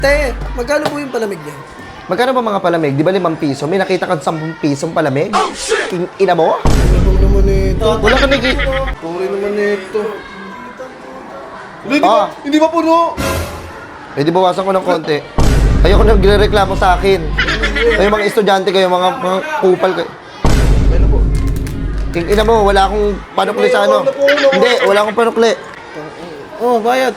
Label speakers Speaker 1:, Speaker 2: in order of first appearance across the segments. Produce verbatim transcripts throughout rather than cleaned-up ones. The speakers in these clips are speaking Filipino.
Speaker 1: Te, magkano po yung palamig niya?
Speaker 2: Magkano ba mga palamig? Di ba limang piso? May nakita ka sampung pisong palamig? In ina mo?
Speaker 1: Ano naman ito?
Speaker 2: Wala ka nakita.
Speaker 1: Puri naman ito. Hindi, di
Speaker 2: Ah.
Speaker 1: ba, hindi ba puno?
Speaker 2: Eh di bawasan ko ng konti. Ayoko na nagre-reklamo sa akin. Kayo mga estudyante kayo, mga, mga kupal kayo.
Speaker 1: Ano po?
Speaker 2: King ina mo, wala akong panukli sa ano. Hindi, wala akong panukli.
Speaker 1: Oh, bayad.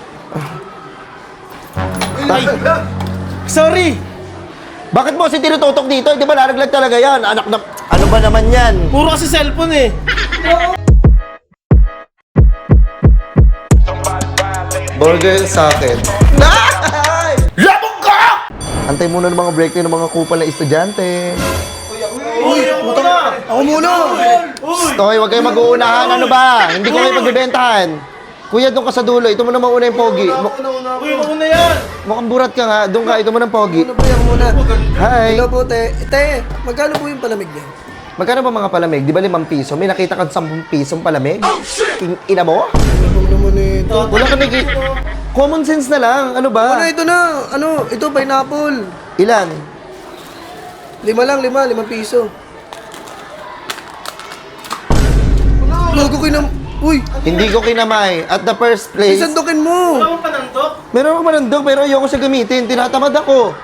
Speaker 2: Ay,
Speaker 3: Sorry!
Speaker 2: bakit mo si tinututok dito? Di ba naraglag talaga yan? Anak na... Ano ba naman yan?
Speaker 3: Puro kasi cellphone eh.
Speaker 2: Burger sa akin. Ay! Labog ka! Antay muna ng mga break ng mga kupal na estudyante.
Speaker 3: Uy, ako muna!
Speaker 1: Ako muna!
Speaker 2: Toy, huwag kayo mag-uunahan. Ano ba? Hindi ko kayo pagbibentahan. Kuya, doon ka sa dulo. Ito mo na mauna yung pogi. Mu-
Speaker 3: Uy, mauna yan!
Speaker 2: mukhang burat ka nga. Doon ka. Ito mo ng pogi.
Speaker 1: Ano po yan muna?
Speaker 2: Hi.
Speaker 1: Hello po, te. Te, magkano po yung palamig niya?
Speaker 2: Magkano ba mga palamig? Di ba limang piso? May nakita ka sampung pisong palamig? In ina mo?
Speaker 1: Ano naman ito?
Speaker 2: Wala ka nakita. Common sense na lang. Ano
Speaker 1: Ano,
Speaker 2: ba?
Speaker 1: ito na. Ano, ito, pineapple.
Speaker 2: Ilan?
Speaker 1: Lima lang, lima. Limang piso. Logo ko na... Uy,
Speaker 2: Hindi ko kinamay. At the first place,
Speaker 1: isandukin mo.
Speaker 3: Wala mong panantok?
Speaker 2: meron ako manandog pero ayoko siya gamitin. Tinatamad ako.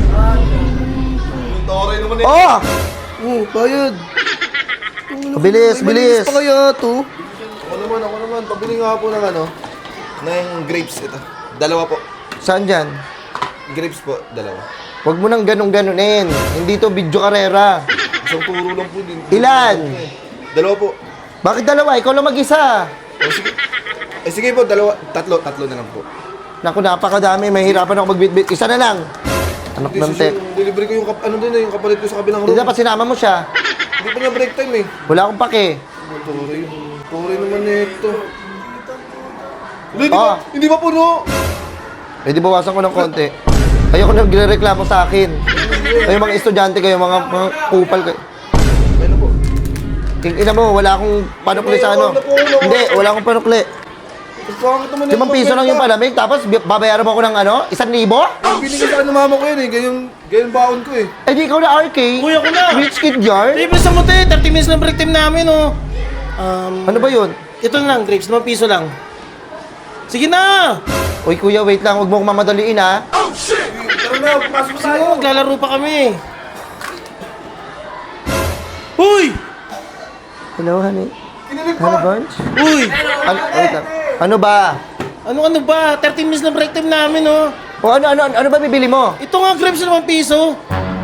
Speaker 2: Oh!
Speaker 1: Oh, bayad.
Speaker 2: Bilis,
Speaker 1: May
Speaker 2: bilis.
Speaker 1: malinis pa kaya to?
Speaker 4: Ako naman, ako naman. Pabili nga po ng ano, ng grapes ito. Dalawa po.
Speaker 2: Saan dyan?
Speaker 4: Grapes po, dalawa.
Speaker 2: Huwag mo nang ganun-ganunin. Hindi to video karera.
Speaker 4: Isang turo lang po din.
Speaker 2: Ilan?
Speaker 4: Dalawa po.
Speaker 2: Bakit dalawa? Ikaw lang mag-isa.
Speaker 4: O sige. Eh sige po, dalawa. Tatlo, tatlo na lang po.
Speaker 2: Naku, napakadami. Mahirapan ako magbitbit. Isa na lang. Anak
Speaker 4: Hindi,
Speaker 2: ng
Speaker 4: sus-
Speaker 2: tek.
Speaker 4: yung delivery ko yung, kap ano din eh, yung kapalit ko sa kabilang
Speaker 2: Hindi
Speaker 4: room.
Speaker 2: dapat sinama mo siya.
Speaker 4: Hindi pa niya break time eh.
Speaker 2: Wala akong pake.
Speaker 4: Turi. Turi naman ito. Hindi, di
Speaker 2: Ah.
Speaker 4: ba, hindi ba puno?
Speaker 2: Eh di bawasan ko ng konti. Ayoko na nagre-reklamo sa akin. Kayo mga estudyante kayo, mga, mga kupal kayo.
Speaker 4: Ano po?
Speaker 2: King ina mo, wala akong panukli sa ano. Hindi, wala akong panukli.
Speaker 4: Pangit naman ito.
Speaker 2: Limang piso lang yung palamig, tapos bi- babayaran mo ako ng ano? Isang libo?
Speaker 4: Binigay sa ano mama ko yan eh. Ganyan, ganyan baon ko eh.
Speaker 2: Eh di ikaw na R K.
Speaker 3: Uy, ako na!
Speaker 2: Rich kid yard?
Speaker 3: Libre sa mo, te! thirty minutes lang break time namin, oh! Um,
Speaker 2: Ano ba yun?
Speaker 3: ito na lang, grapes. limang piso lang. Sige na!
Speaker 2: Uy kuya, wait lang, huwag mo akong mamadaliin ha.
Speaker 4: Tara na, pasok
Speaker 3: Sige mo, maglalaro pa kami. Uy!
Speaker 2: Hello, honey.
Speaker 4: Kinilig
Speaker 2: Honey
Speaker 4: pa.
Speaker 2: bunch?
Speaker 3: Uy!
Speaker 2: Ano, wait lang. Ano ba?
Speaker 3: Ano ano ba? thirty minutes lang break time namin, oh!
Speaker 2: O ano, ano, ano ba bibili mo?
Speaker 3: Ito nga, grapes limang piso.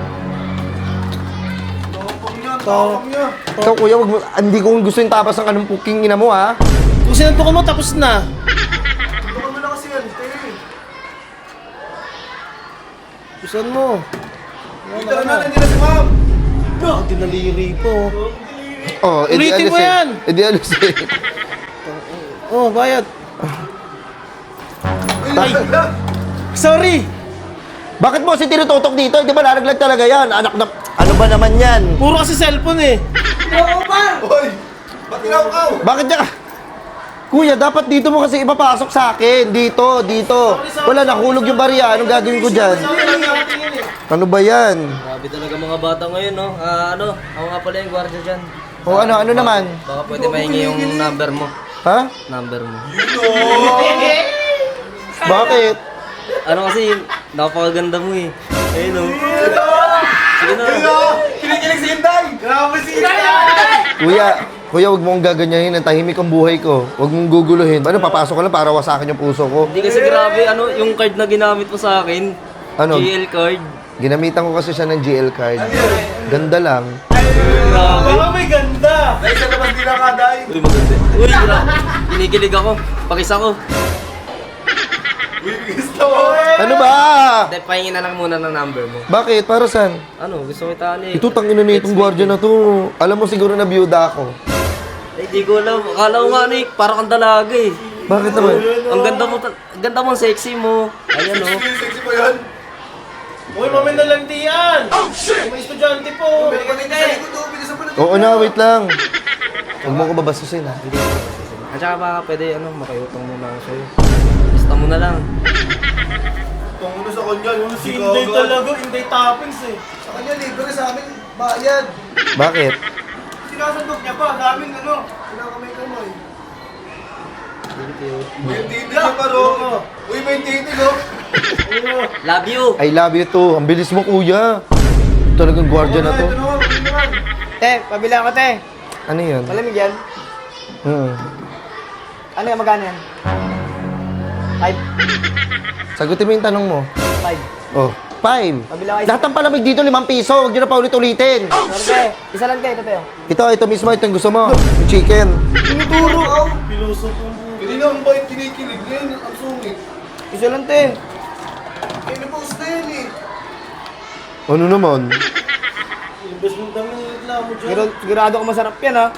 Speaker 4: Tapang niya.
Speaker 2: Ikaw kuya, wag mo, hindi ko gusto yung tapas ng anong puking ina mo ha.
Speaker 3: Kung sinanto mo, tapos na.
Speaker 4: Tukan mo na kasi yan, te.
Speaker 3: Pusan mo.
Speaker 4: Tara na, nandiyan na si ma'am.
Speaker 3: Ah, dinaliri po.
Speaker 2: Oh, edi
Speaker 3: Ulitin
Speaker 2: alis
Speaker 3: mo
Speaker 2: eh.
Speaker 3: yan.
Speaker 2: Edi alis eh.
Speaker 3: Oh, bayad.
Speaker 2: Ay,
Speaker 3: Sorry!
Speaker 2: bakit mo si tinututok dito? Di ba naraglag talaga yan? Anak na... Ano ba naman yan?
Speaker 3: Puro kasi cellphone eh.
Speaker 4: Hoy! Ba't kinakaw?
Speaker 2: Bakit niya... Kuya, dapat dito mo kasi ipapasok sa akin. Dito, dito. Wala, nahulog yung barya. Anong gagawin ko dyan? Ano ba yan?
Speaker 5: Grabe talaga mga bata ngayon, no? Ah, ano, ako nga pala yung gwardiya dyan.
Speaker 2: O ano, ano naman?
Speaker 5: Baka pwede mahingi yung number mo.
Speaker 2: Ha?
Speaker 5: Number mo.
Speaker 2: Bakit?
Speaker 5: Ano kasi, napakaganda mo eh. Ayun, no? Sige na.
Speaker 4: Kinikilig si Inday! Grabe si Inday!
Speaker 2: Kuya, kuya, wag mong gaganyahin. Ang tahimik ang buhay ko. Wag mong guguluhin. Ano, papasok ka lang para wasakin yung puso ko.
Speaker 5: Hindi kasi grabe, ano, yung card na ginamit mo sa akin.
Speaker 2: Ano?
Speaker 5: G L card.
Speaker 2: Ginamitan ko kasi siya ng G L card. Ganda lang.
Speaker 5: Grabe.
Speaker 3: Oh, may ganda!
Speaker 4: Dahil sa labas nila ka, Day!
Speaker 5: Uy, maganda. Uy, grabe. Kinikilig ako. Pakis ako.
Speaker 4: Gusto mo!
Speaker 2: Ano ba?
Speaker 5: Hindi, pahingin na lang muna ng number mo.
Speaker 2: Bakit? Para saan?
Speaker 5: Ano, gusto ko itaan eh.
Speaker 2: Ito, tangina na itong gwardiya na to. Alam mo siguro na biyuda ako.
Speaker 5: Ay, di ko alam. Akala ko nga, Nick, parang kang dalaga eh.
Speaker 2: Bakit naman?
Speaker 5: Ang ganda mo, tal- ang ganda mo, ang sexy mo. Ayan, oh.
Speaker 4: Sexy pa yan!
Speaker 3: Uy, mamay na lang diyan! May estudyante po!
Speaker 2: Oo na, wait lang. Huwag mo ko babasusin ha.
Speaker 5: At saka baka pwede, ano, makiutang muna ako sa'yo. Basta mo na lang.
Speaker 4: Tungo sa kanya, yung
Speaker 3: Si Inday talaga, Inday toppings eh.
Speaker 1: Sa kanya, libre sa amin, bayad.
Speaker 2: Bakit?
Speaker 1: Sinasandok niya pa, daming ano. Kinakamay-kamay.
Speaker 4: May titig niya pa, Ro. Uy, may titig, oh.
Speaker 5: Love you.
Speaker 2: I love you too. Ang bilis mo, kuya. Talagang gwardiya na to.
Speaker 6: Te, pabila ako, te.
Speaker 2: Ano yun?
Speaker 6: Malamig yan.
Speaker 2: Hmm.
Speaker 6: Ano yan, magkano yan? Five.
Speaker 2: Sagutin mo yung tanong mo.
Speaker 6: Five.
Speaker 2: Oh, five.
Speaker 6: Pabila kayo.
Speaker 2: Lahat ng palamig dito, limang piso. Huwag nyo na pa ulit-ulitin.
Speaker 6: Sorry, te. Isa lang, te. Ito, te.
Speaker 2: Ito, ito mismo. Ito yung gusto mo. Yung chicken.
Speaker 1: Tinuturo, oh.
Speaker 3: Piloso po mo.
Speaker 4: Hindi na ang bait kinikilig. Ngayon, ang sungit.
Speaker 6: Isa lang, te.
Speaker 1: Kinipost na yan eh.
Speaker 2: Ano naman?
Speaker 3: Imbes mong dami ng reklamo dyan.
Speaker 6: Siguro, sigurado ko masarap yan, ha?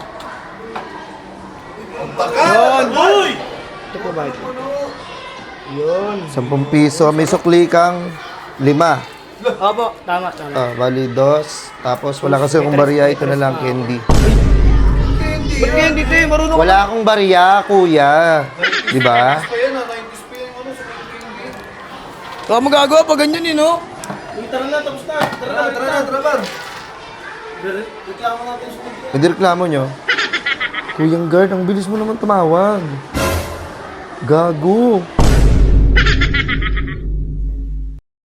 Speaker 4: Yun!
Speaker 3: Uy!
Speaker 6: Ito po ba ito? Yun.
Speaker 2: Sampung piso. May sukli kang lima.
Speaker 6: Opo, tama, tama.
Speaker 2: Ah, bali dos. Tapos wala kasi akong barya. Ito na lang, candy.
Speaker 6: Ba't kaya hindi, te? Marunong
Speaker 2: Wala akong barya, kuya. Di ba?
Speaker 4: Pa yan, ah. nineties pa yung ano, sa candy.
Speaker 6: ka magagawa pa ganyan, eh, no?
Speaker 3: Uy, tara na, tapos na. Tara
Speaker 4: Tara,
Speaker 3: na,
Speaker 4: tara na, tara na.
Speaker 3: Re- Reklamo natin sa mga.
Speaker 2: Hindi reklamo nyo. Kuyang guard, ang bilis mo naman tumawag. Gago.